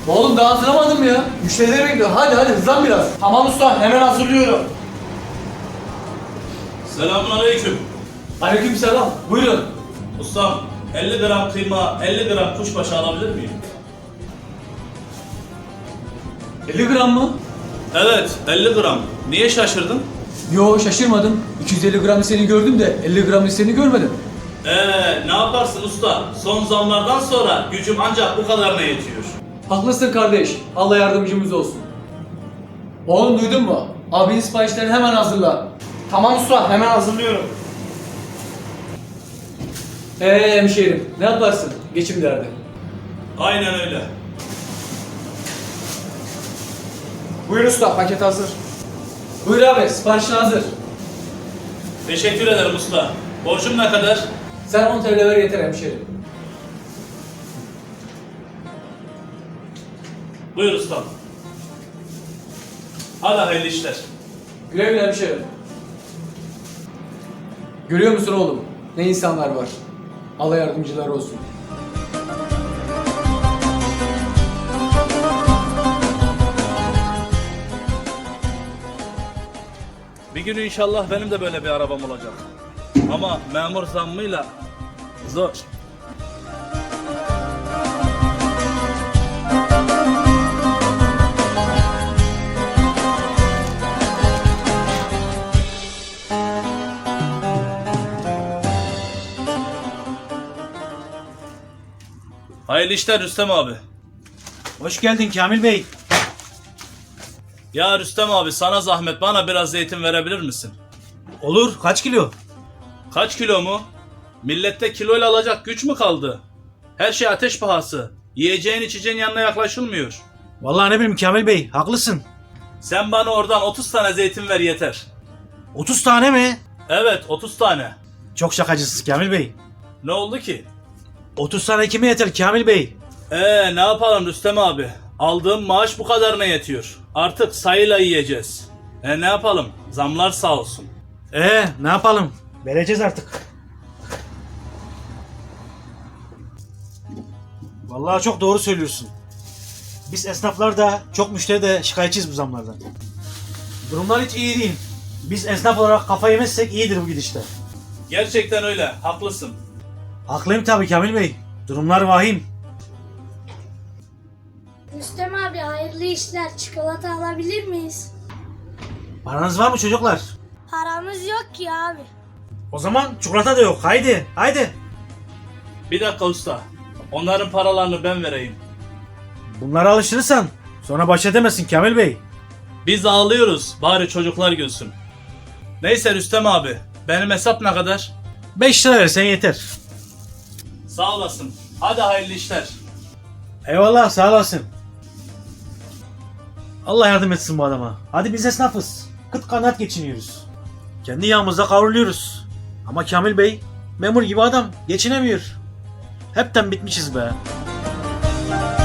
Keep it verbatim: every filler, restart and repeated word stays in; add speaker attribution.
Speaker 1: Oğlum daha hazırlamadım mı ya? Müşterileri bekliyor. Hadi hadi hızlan biraz.
Speaker 2: Tamam usta, hemen hazırlıyorum.
Speaker 3: Selamünaleyküm.
Speaker 1: Aleykümselam. Buyurun.
Speaker 3: Ustam, elli gram kıyma, elli gram kuşbaşı alabilir miyim?
Speaker 1: elli gram mı?
Speaker 3: Evet, elli gram. Niye şaşırdın?
Speaker 1: Yo şaşırmadım. iki yüz elli gram seni gördüm de elli gram seni görmedim.
Speaker 3: Eee ne yaparsın usta? Son zamlardan sonra gücüm ancak bu kadarına yetiyor.
Speaker 1: Haklısın kardeş. Allah yardımcımız olsun. Oğlum duydun mu? Abinin siparişlerini hemen hazırla.
Speaker 2: Tamam usta, hemen hazırlıyorum.
Speaker 1: Eee hemşehrim ne yaparsın? Geçim derdi.
Speaker 3: Aynen öyle.
Speaker 2: Buyur usta, paket hazır.
Speaker 1: Buyur abi siparişin hazır.
Speaker 3: Teşekkür ederim usta. Borcum ne kadar?
Speaker 1: Sen on T L ver yeter hemşehrim.
Speaker 3: Buyur ustam. Hadi hayırlı işler.
Speaker 1: Güle güle hemşehrim. Görüyor musun oğlum? Ne insanlar var. Allah yardımcıları olsun.
Speaker 3: Bir gün inşallah benim de böyle bir arabam olacak. Ama memur zammıyla zor. Hayırlı işler Rüstem abi.
Speaker 4: Hoş geldin Kamil Bey.
Speaker 3: Ya Rüstem abi sana zahmet bana biraz zeytin verebilir misin?
Speaker 4: Olur, kaç kilo?
Speaker 3: Kaç kilo mu? Millette kiloyla alacak güç mü kaldı? Her şey ateş pahası. Yiyeceğin içeceğin yanına yaklaşılmıyor.
Speaker 4: Vallahi ne bileyim Kamil Bey, haklısın.
Speaker 3: Sen bana oradan otuz tane zeytin ver yeter.
Speaker 4: otuz tane mi?
Speaker 3: Evet otuz tane.
Speaker 4: Çok şakacısınız Kamil Bey.
Speaker 3: Ne oldu ki?
Speaker 4: otuz tane kime yeter Kamil Bey?
Speaker 3: Ee ne yapalım Rüstem abi? Aldığım maaş bu kadarına yetiyor. Artık sayıyla yiyeceğiz. E ne yapalım? Zamlar sağ olsun.
Speaker 4: Ee, ne yapalım? Vereceğiz artık. Vallahi çok doğru söylüyorsun. Biz esnaflar da çok müşteri de şikayetçiyiz bu zamlardan. Durumlar hiç iyi değil. Biz esnaf olarak kafa yemezsek iyidir bu gidişte.
Speaker 3: Gerçekten öyle. Haklısın.
Speaker 4: Haklıyım tabii Kamil Bey. Durumlar vahim.
Speaker 5: Rüstem abi hayırlı işler. Çikolata alabilir miyiz?
Speaker 4: Paranız var mı çocuklar?
Speaker 5: Paramız yok ki abi.
Speaker 4: O zaman çikolata da yok. Haydi, haydi.
Speaker 3: Bir dakika usta. Onların paralarını ben vereyim.
Speaker 4: Bunlara alışırsan sonra baş edemezsin Kamil Bey.
Speaker 3: Biz ağlıyoruz. Bari çocuklar gülsün. Neyse Rüstem abi. Benim hesap ne kadar?
Speaker 4: beş lira versen yeter.
Speaker 3: Sağ olasın. Hadi hayırlı işler.
Speaker 4: Eyvallah, sağ olasın. Allah yardım etsin bu adama. Hadi biz esnafız. Kıt kanaat geçiniyoruz. Kendi yağımızda kavruluyoruz. Ama Kamil Bey memur gibi adam geçinemiyor. Hepten bitmişiz be.